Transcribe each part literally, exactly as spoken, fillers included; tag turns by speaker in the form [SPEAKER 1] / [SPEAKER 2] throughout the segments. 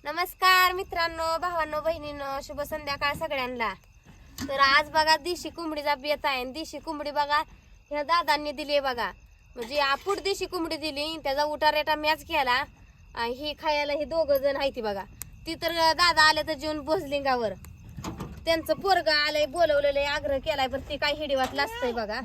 [SPEAKER 1] नमस्कार मित्रांनो, भावांनो, बहिणींनो, शुभ संध्याकाळ सगळ्यांना। तर आज बघा देशी कोंबडीचा बेत आहे। देशी कोंबडी बघा ह्या दादांनी दिली बघा, म्हणजे आपुड देशी कोंबडी दिली, त्याचा उटारेटा मॅच केला। ही खायला हे दोघ जण आहे ती बघा, ती तर दादा आले तर जेवण बोसलिंगावर त्यांचं पोरग आलंय, बोलवलेलं आग्रह केलाय, पण ती काय हिडीवात असतंय बघा।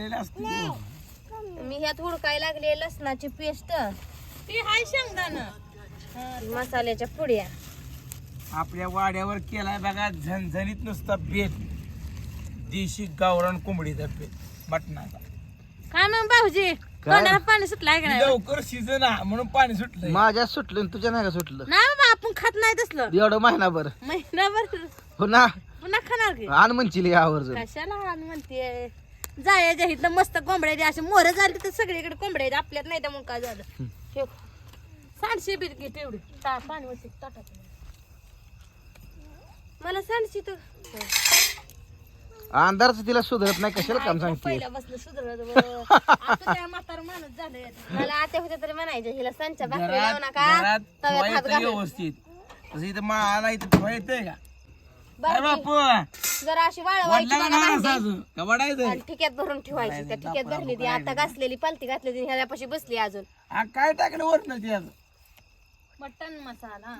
[SPEAKER 1] मी ह्यात हुडकाय लागले लसणाची पेस्ट,
[SPEAKER 2] ती हाय शेंगदाणा
[SPEAKER 1] मसाल्याच्या पुड्या,
[SPEAKER 3] आपल्या वाड्यावर केलाय बघा झणझणीत नुसता बेत, देशी गावरान कोंबडीचा बेत मटणाचा।
[SPEAKER 2] काय मग भाऊजी तोंडाला पाणी सुटलंय का नाही?
[SPEAKER 3] लवकर सीझन आहे म्हणून पाणी सुटलंय।
[SPEAKER 4] माझ्या सुटलं तुझ्या नाही का सुटलं?
[SPEAKER 2] नाही बाबा, आपण खात नाही तसलं
[SPEAKER 4] एवढं महिनाभर
[SPEAKER 2] महिनाभर
[SPEAKER 4] पुन्हा
[SPEAKER 2] पुन्हा खाणार की
[SPEAKER 4] आण म्हणशील यावर
[SPEAKER 2] कशाला आण म्हणते? जायच्या इथलं मस्त कोंबड्या द्या, असे मोर झाले तर सगळीकडे कोंबड्या आहेत, आपल्यात नाही त्यामुळे काय झालं? हे सांडशे बीत घे तेवढी ता पाणी वरती ताटात
[SPEAKER 1] मला सांगशी तू
[SPEAKER 4] अंधारच तिला सुधरत नाही, कशाला काम सांगते?
[SPEAKER 2] पहिल्या बसलं सुधरत आता त्या म्हातारा माणूस झालंय.
[SPEAKER 1] मला आते होते तरी म्हणायचे हिला संचा भाकरी
[SPEAKER 3] घरात
[SPEAKER 1] लावू नका,
[SPEAKER 3] घरात
[SPEAKER 1] तव्यात हात
[SPEAKER 3] ठेवायचं
[SPEAKER 1] घालून
[SPEAKER 3] व्यवस्थित, तसं इथं मला इथं ठेवायचंय का?
[SPEAKER 1] बरं
[SPEAKER 3] अरे
[SPEAKER 1] की,
[SPEAKER 3] बापू
[SPEAKER 1] जरा अशी वाळवायची
[SPEAKER 3] वडला
[SPEAKER 1] बघा
[SPEAKER 3] ना
[SPEAKER 1] भांडी,
[SPEAKER 3] अजून का वडायचंय?
[SPEAKER 1] आणि ठिक्यात भरून ठेवायची। त्या ठिक्यात भरली ती आता घासलेली पालती घातली ती ह्याच्यापाशी बसली अजून।
[SPEAKER 3] आ, काय टाकलं वरण त्यात?
[SPEAKER 2] मटन मसाला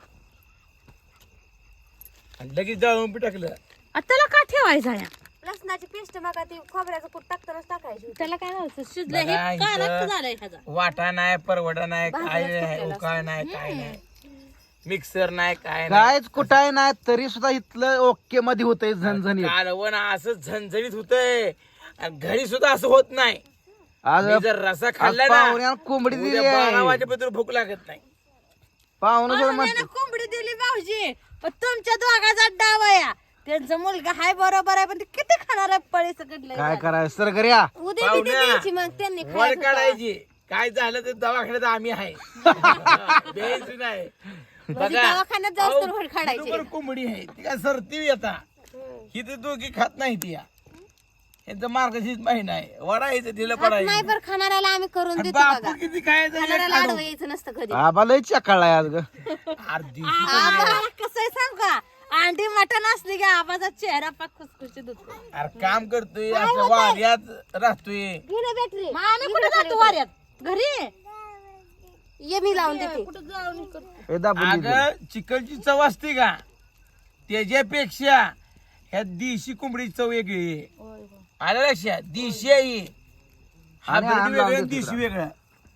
[SPEAKER 3] आणि लगेच जाळून बी टाकलं।
[SPEAKER 2] आता त्याला का ठेवायचा या?
[SPEAKER 1] लसणाची पेस्ट मग ती खोबऱ्याचं कूट टाकतानाच टाकायची।
[SPEAKER 2] त्याला काय व्हायचं? शिजलं हे
[SPEAKER 3] बघा
[SPEAKER 2] काय
[SPEAKER 3] इथं
[SPEAKER 2] रक्त झालंय ह्याचा.
[SPEAKER 3] वाटा नाही, परवडा नाही, काय
[SPEAKER 1] भाजूनच
[SPEAKER 3] नाही,
[SPEAKER 1] कुटलेलं
[SPEAKER 3] उकाळ नाही, काय नाही, मिक्सर नाही, काय नाही।
[SPEAKER 4] कायच कुठाय नाही तरी सुद्धा इथलं ओके मध्ये होतंय झणझणीत।
[SPEAKER 3] कालवण असं झणझणीत होतंय, आणि घरी सुद्धा असं होत नाही।
[SPEAKER 4] आज
[SPEAKER 3] मी जर रसा
[SPEAKER 4] आज
[SPEAKER 3] खाल्ला ना,
[SPEAKER 4] पाहुण्याला कोंबडी दिली
[SPEAKER 3] उद्या बारा
[SPEAKER 4] आहे,
[SPEAKER 3] वाजेपर्यंत भूक लागत नाही।
[SPEAKER 4] पाहुणं सुद्धा
[SPEAKER 2] पाहुण्यानं
[SPEAKER 4] म्हणतं
[SPEAKER 2] कोंबडी दिली भाऊजी, पण तुमच्या दोघाचा डाव आहे हा. त्यांचा मुलगा हाय बरोबर आहे, पण ते किती खाणार आहे पळी सकटलंय.
[SPEAKER 4] काय करायचं सर घरी या
[SPEAKER 1] उद्या बी
[SPEAKER 3] पाहुण्या,
[SPEAKER 1] द्यायची मग त्यांनी
[SPEAKER 3] वर
[SPEAKER 1] खायचं होतं.
[SPEAKER 3] काढायची, काय झालं तर दवाखान्यात आम्ही आहे द्यायचं नाही।
[SPEAKER 1] म्हणजे दवाखान्यात जाऊस तर वर काढायची।
[SPEAKER 3] बरोबर कोंबडी आहे ती, काय सरती आता ही तर दोघी खात नाही ती, यांचं मार्गशीर्ष महिना आहे, वडायचं तिला
[SPEAKER 1] हात
[SPEAKER 3] पडायचं।
[SPEAKER 1] नाही बरं खाणाऱ्याला आम्ही करून देतो
[SPEAKER 3] बापू
[SPEAKER 1] बघा,
[SPEAKER 3] किती काय
[SPEAKER 1] खाणाऱ्याला आडवं यायचं नसतं कधी।
[SPEAKER 4] आबा लय चकाळलाय आज ग
[SPEAKER 3] अर्धी
[SPEAKER 2] आम्हाला कसं आहे सांग का, अंडी मटण असली की आबाचा चेहरा पाक खुसखुशीत होतो.
[SPEAKER 3] अरे काम करतोय, असं वाऱ्यात राहतोय।
[SPEAKER 1] घे ना बॅटरी,
[SPEAKER 2] मग आम्ही कुठे जातो वाऱ्यात? घरी
[SPEAKER 1] ये मी लावून देते।
[SPEAKER 2] कुठं जाऊन करतो?
[SPEAKER 4] ए दाबून दे.
[SPEAKER 3] अगं चिकनची चव असते का, त्याच्यापेक्षा ह्या देशी कोंबडीची चव वेगळी आहे। आलं लक्षात? देशी आहे ही. हा
[SPEAKER 4] आणि
[SPEAKER 3] ब्रीड
[SPEAKER 4] आण
[SPEAKER 3] वेगळं
[SPEAKER 4] लावून
[SPEAKER 3] आणि
[SPEAKER 4] दे
[SPEAKER 3] देशी
[SPEAKER 4] तिकडं.
[SPEAKER 3] वेगळं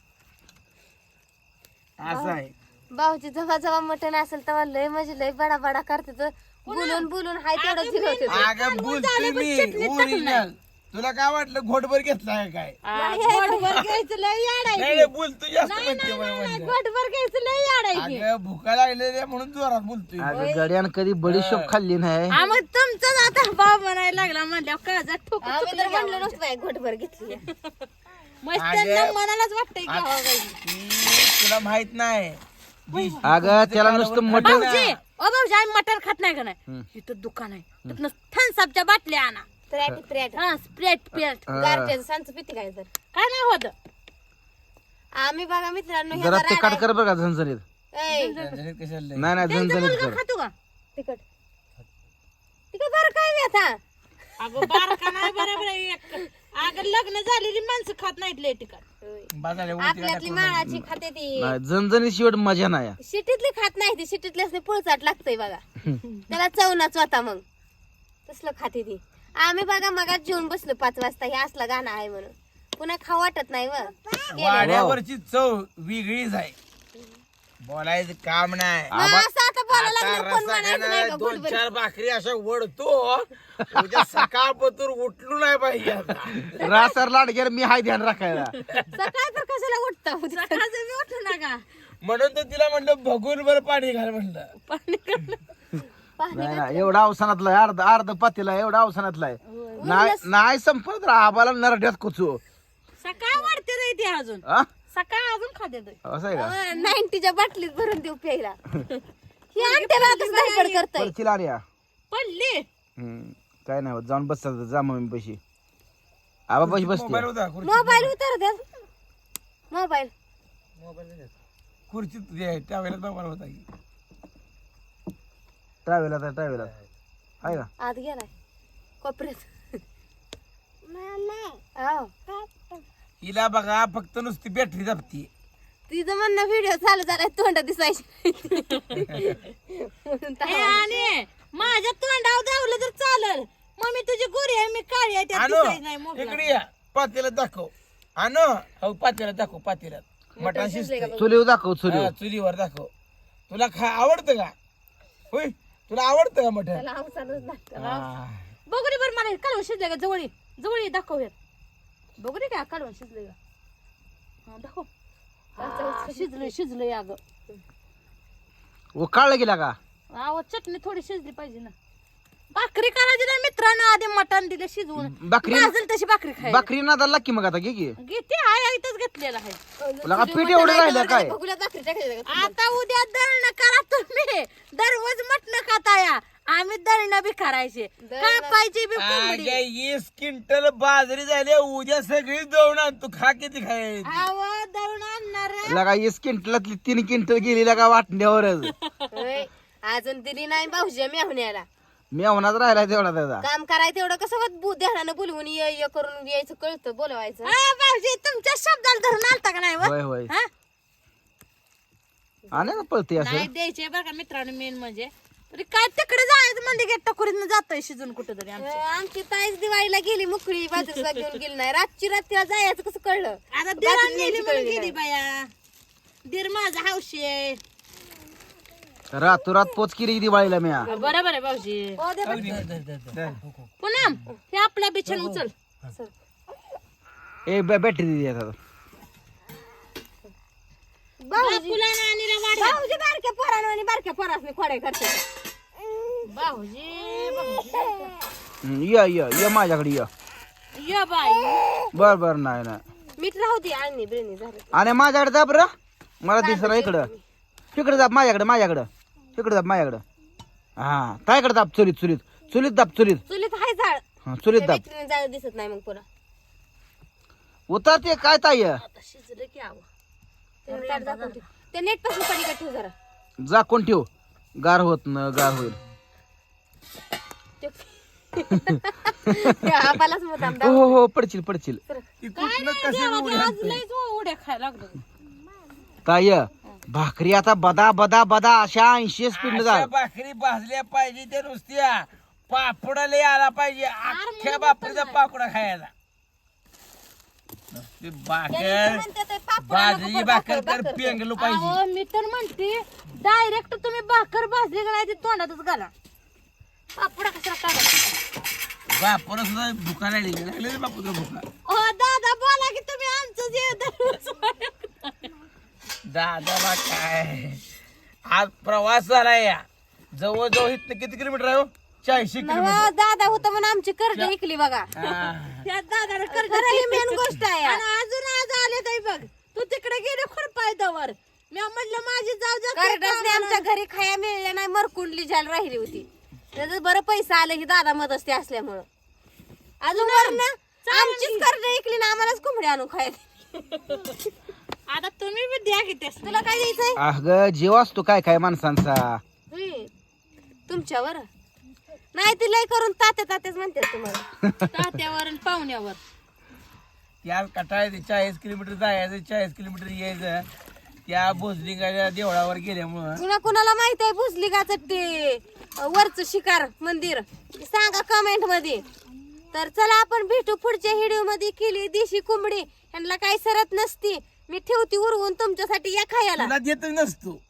[SPEAKER 3] असं आहे।
[SPEAKER 1] भाऊजी जेव्हा जेव्हा मटण असेल तेव्हा लय म्हणजे लय बडा बडा करते तर बोलून बोलून हाय तेवढं जिरवते ते.
[SPEAKER 3] अगं बोलतोय मी ओरिजिनल, तुला काय वाटलं घोटभर घेतलाय काय?
[SPEAKER 2] गोडभर घ्यायचं लय याड आहे.
[SPEAKER 3] नाही नाही, बोलतोय जास्त म्हणते मला म्हणलं.
[SPEAKER 2] गोडभर घ्यायचं लय याड आहे की.
[SPEAKER 3] अगं भुका लागलेल्या म्हणून जोरात बोलतोय।
[SPEAKER 4] अगं गड्यानं कधी बडीशोप खाल्ली नाही.
[SPEAKER 2] हा, मग तुमचाच आता भाव म्हणायला लागला म्हणल्यावर काळजात ठोकून
[SPEAKER 1] आम्ही तर म्हणलं नसतं बाई घोटभर घेतली।
[SPEAKER 2] मस्त त्यांना मनालाच वाटतंय की हवा बाई.
[SPEAKER 3] ती तुला माहित नाही,
[SPEAKER 4] अगं त्याला नुसतं मटण
[SPEAKER 2] भाऊजी ओ भाऊजी आम्ही मटण खात नाही का नाही, इथं दुकान आहे, तिथनं थम्सअपच्या बाटल्या आणा,
[SPEAKER 1] त्र्याटी त्र्याटी
[SPEAKER 2] हा स्प्रेट पेट
[SPEAKER 1] गारठ्याचं सांच पिती काय तर।
[SPEAKER 2] काय नाही होत.
[SPEAKER 1] आम्ही बघा मित्रांनो
[SPEAKER 4] जरा
[SPEAKER 1] ह्याचा
[SPEAKER 4] ते काट
[SPEAKER 1] राडा
[SPEAKER 4] कर बरं का झणझणीत.
[SPEAKER 1] आहे। ए,
[SPEAKER 3] झणझणीत कशाला लय?
[SPEAKER 4] नाही नाही
[SPEAKER 2] त्यांचा
[SPEAKER 4] झणझणीत
[SPEAKER 2] मुलगा
[SPEAKER 4] कर.
[SPEAKER 2] खातो का?
[SPEAKER 1] तिकट तिकट बरं काय बी आता
[SPEAKER 2] अगं बारका नाही बरोबर आहे एक. अगं लग्न झालेली माणसं खात नाहीत लय ठिकाण.
[SPEAKER 3] बाजारला वरती
[SPEAKER 1] आपल्यातली माळाची खाते ती,
[SPEAKER 4] नाही झणझणीत शेवट मजा नाही.
[SPEAKER 1] शिटीतली खात नाही ती, शिटीतली पुळचाट लागतंय बघा, त्याला चवनाच होता मग तसलं खाते ती। आम्ही बघा मगाच जेवून बसलो पाच वाजता, हे असला गाणं आहे म्हणून, पुन्हा खाऊ वाटत नाही व
[SPEAKER 3] वाड्यावरची चव वेगळीच आहे, बोलायचं काम नाही।
[SPEAKER 1] मग असं आता बोलायला
[SPEAKER 3] आता
[SPEAKER 1] लागलं, कोण
[SPEAKER 3] रस्सा
[SPEAKER 1] म्हणायचं नाही
[SPEAKER 3] खाणाऱ्या
[SPEAKER 1] का
[SPEAKER 3] दोन
[SPEAKER 1] घोटभर?
[SPEAKER 3] चार भाकरी अशा वडतो, उद्या सकाळपतूर उठलो नाही पाहिजे आता।
[SPEAKER 4] रासर लाड गेलं मी हाय ध्यान राखायला.
[SPEAKER 1] सकाळ तर कशाला उठता
[SPEAKER 2] सकाळचं मी उठू नका
[SPEAKER 3] म्हणून तर तिला म्हणलं बघून बरं पाणी घाल म्हणलं।
[SPEAKER 2] पाणी करणं.
[SPEAKER 4] नाही नाही एवढा अवसानातला आहे, अर्ध अर्ध पातीला एवढा अवसानातला आहे. नाही नाही संपत तर आबाला नरड्यात कुचू.
[SPEAKER 2] सकाळ वाढते रे ते अजून,
[SPEAKER 4] हा?
[SPEAKER 2] सकाळ अजून खाते ते.
[SPEAKER 4] असं आहे का?
[SPEAKER 1] नाईन्टीच्या बाटलीत भरून देऊ प्यायला। ही आणते आताच धाडपड करतय।
[SPEAKER 4] परचील आली या.
[SPEAKER 2] पडली
[SPEAKER 4] हम्म, काय नाही होत, जाऊन बस जा मम्मी पैसे आबा पैसे बसते.
[SPEAKER 3] मोबाईल होता खुर्चीत.
[SPEAKER 1] मोबाईल उतर द्या, मोबाईल
[SPEAKER 3] मोबाईल नाही. खुर्चीत जे आहे त्यावेळेला मोबाईल होता की.
[SPEAKER 4] टावेला तर टावेला आहे का
[SPEAKER 1] आत गेलाय कोपऱ्यात आहो.
[SPEAKER 3] हिला बघा फक्त नुसती बॅटरी दाबती.
[SPEAKER 1] तिचं म्हणणं व्हिडिओ चालू झालाय तोंड दिसायची म्हणून
[SPEAKER 2] ए,
[SPEAKER 1] तर-
[SPEAKER 2] आणि माझ्या तोंडावर धावलं तर चालल. मम्मी तुझी गोरी आहे मी काळी आहे त्यात
[SPEAKER 3] आणो
[SPEAKER 2] दिसायचं नाही मोबाईल.
[SPEAKER 3] इकडे या पातेला दाखव. आणो हो पातेला दाखव पातेल्यात मटण शिजते
[SPEAKER 4] चुलीव दाखव चुलीव
[SPEAKER 3] चुलीवर दाखव. तुला खा आवडतं का होय तुला आवडतं का मटण?
[SPEAKER 1] त्याला अवसानच लागतं.
[SPEAKER 3] हा.
[SPEAKER 2] बघू रे बरं मला कालवण शिजले का जवळ ये. जवळ ये, दाखव यात. बघू रे का कालवण शिजले का हा, दाखव. हा, शिजलंय शिजलंय अगं.
[SPEAKER 4] उकाळलं गेला का
[SPEAKER 2] आव चटणी थोडी शिजली पाहिजे ना. भाकरी करायची ना मित्रांनो, आधी मटण दिले शिजवून.
[SPEAKER 4] भाकरी
[SPEAKER 2] भाजल तशी भाकरी खाय
[SPEAKER 4] भाकरी नादाला की मग आता घे की
[SPEAKER 2] घेते आहे इथंच घेतलेलं आहे.
[SPEAKER 4] तुला का पीठ एवढं राहिलं काय
[SPEAKER 1] बघूला भाकरी टाकायची का?
[SPEAKER 2] आता उद्या दळण करा तुम्ही. दररोज मटण खाताया, आम्ही दळण बी करायचे, कापायची बी कोंबडी.
[SPEAKER 3] आग्या वीस क्विंटल बाजरी झाली उद्या सगळी दळून आण. तू खा किती खाय
[SPEAKER 2] आव दळून आणणार
[SPEAKER 4] लगा वीस क्विंटलातली तीन क्विंटल गेली लगा वाटण्यावरच
[SPEAKER 1] होय. अजून दिली नाही भाऊजी मेहुण्याला.
[SPEAKER 4] मी होणार राहिला तेवढा त्याचा
[SPEAKER 1] काम करायचं एवढं कसं होत बु- ध्यानानं बोलवून ये ये करून यायचं कळतं बोलवायचं.
[SPEAKER 2] भाऊजी तुमच्या शब्दाला धरून आलता का नाही व?
[SPEAKER 4] होय होय
[SPEAKER 2] हा?
[SPEAKER 4] आणि ना पळते असं
[SPEAKER 2] नाही द्यायचे बरं का मित्रांनो. मेन म्हणजे तरी काय तिकडे जायचं म्हणजे गेट टकोरीत जातोय शिजून कुठं तरी आमचं.
[SPEAKER 1] अं, आमची ताईच दिवाळीला गेली मुकळी बाजूला घेऊन गेली नाही. रातची रात्रीला जायचं कसं कळलं?
[SPEAKER 2] आता दिरा
[SPEAKER 1] बाजूला
[SPEAKER 2] नेली
[SPEAKER 1] न्यायची
[SPEAKER 2] म्हणून
[SPEAKER 1] कळली
[SPEAKER 2] गेली बाया. दीर माझा हौशी आहे.
[SPEAKER 4] रातोरात पोच केली दिवाळीला मी
[SPEAKER 2] बरोबर आहे भाऊजी.
[SPEAKER 1] हो दे बघ.
[SPEAKER 2] पुनम हे आपला बिछान उचल.
[SPEAKER 4] ए बॅटरी दिली आता
[SPEAKER 2] बापूला आणि आणीला वाढ.
[SPEAKER 1] भाऊजी बारक्या पोरानं आणि बारक्या पोरासनी खोड्या करते.
[SPEAKER 2] भाऊजी भाऊजी.
[SPEAKER 4] हम्म, ये ये ये माझ्याकडे ये
[SPEAKER 2] ये बाई.
[SPEAKER 4] बर बर नाही नाही
[SPEAKER 1] मीठ राहू दे आणि बिळणी झालं.
[SPEAKER 4] आणि माझ्याकडे जा बरं मला दिसत इकडं तिकडे दाब माझ्याकडे माझ्याकडं तिकडे दाब माझ्याकडं हा तायकडे दाब चुलीत चुलीत चुलीत दाब चुलीत
[SPEAKER 1] चुलीत हाय झाड.
[SPEAKER 4] हा चुलीत दाब
[SPEAKER 1] विचारून जायला दिसत नाही मग पुन्हा.
[SPEAKER 4] उतरते काय ताई
[SPEAKER 2] आता शिजलं की आव.
[SPEAKER 1] ते ताट झाकून ठेव. ते नेट पासून पलीकडे ठेव जरा.
[SPEAKER 4] जा कोण ठेव गार होत न गार होईल
[SPEAKER 1] ते आपालाच मुद्दाम
[SPEAKER 4] हो हो हो पडशील पडशील
[SPEAKER 3] ती कुठनं कशी उडी
[SPEAKER 2] आज
[SPEAKER 3] आणते?
[SPEAKER 2] लयच उड्या खायला लागलो.
[SPEAKER 4] ताई भाकरी आता बदा बदा बदा अशा ऐंशी स्पीड
[SPEAKER 3] अशा
[SPEAKER 4] जा
[SPEAKER 3] भाकरी भाजल्या पाहिजे त्या नुसत्या पापडाला आला पाहिजे अख्ख्या बापरीचा पापडा खायला. नुसती भाकर
[SPEAKER 1] म्हणते ते पापड
[SPEAKER 3] बाजरी भाकर तर पेंगलो पाहिजे.
[SPEAKER 2] अहो, मी तर म्हणते डायरेक्ट तुम्ही भाकर भाजली का नाही ती तोंडातच घाला. पापडा कशाला काढा.
[SPEAKER 3] बापूला सुद्धा भुका लागली लागले बापूला भुका.
[SPEAKER 2] ओ दादा बोला की तुम्ही आमचं जे दररोज.
[SPEAKER 3] दादाला काय आज प्रवास झाला या जवळजवळ इथं किती किलोमीटर आहे हो? चाळीसशे किलोमीटर.
[SPEAKER 1] नवा दादा होता म्हणून आमची कर्ज ऐकली बघा.
[SPEAKER 3] हा.
[SPEAKER 2] त्या दादाला कर्ज
[SPEAKER 1] खरं ही मेन गोष्ट आहे.
[SPEAKER 2] आणि अजून आज आले ताई बघ तू तिकडे गेले खुरपायदावर. मी म्हणलं माझी जाऊ जा
[SPEAKER 1] कर्जसने आमच्या घरी खाया मिळल्या नाही मरकुंडली झाल राहिली होती. त्याचं बरं पैसा आलं ही दादा मदस्ती असल्यामुळं. अजून वरनं आमचीच कर्ज ऐकली ना आम्हालाच कोंबडी आणून खायला.
[SPEAKER 2] आता तुम्ही बी द्या की त्यास.
[SPEAKER 1] तुला काय द्यायचंय?
[SPEAKER 4] अग जीव असतो काय काय माणसांचा
[SPEAKER 1] होय. तुमच्यावर नाही ती लय करून तात्या तात्याच म्हणते तुम्हाला.
[SPEAKER 2] तात्यावर आणि पाहुण्यावर.
[SPEAKER 3] त्या कटाळ्यात चाळीस किलोमीटर जायचं चाळीस किलोमीटर यायचं त्या भोसलिंगाच्या देवळावर गेल्यामुळं
[SPEAKER 1] कुणा कुणाला माहित आहे भुसलिकाचं ते वरच शिकार मंदिर सांगा कमेंट मध्ये. तर चला आपण भेटू पुढच्या व्हिडिओ मध्ये. केली देशी कोंबडी यांना काही सरत नसती. मी ठेवती उरवून तुमच्यासाठी या खायला.
[SPEAKER 3] तुला देत नसतो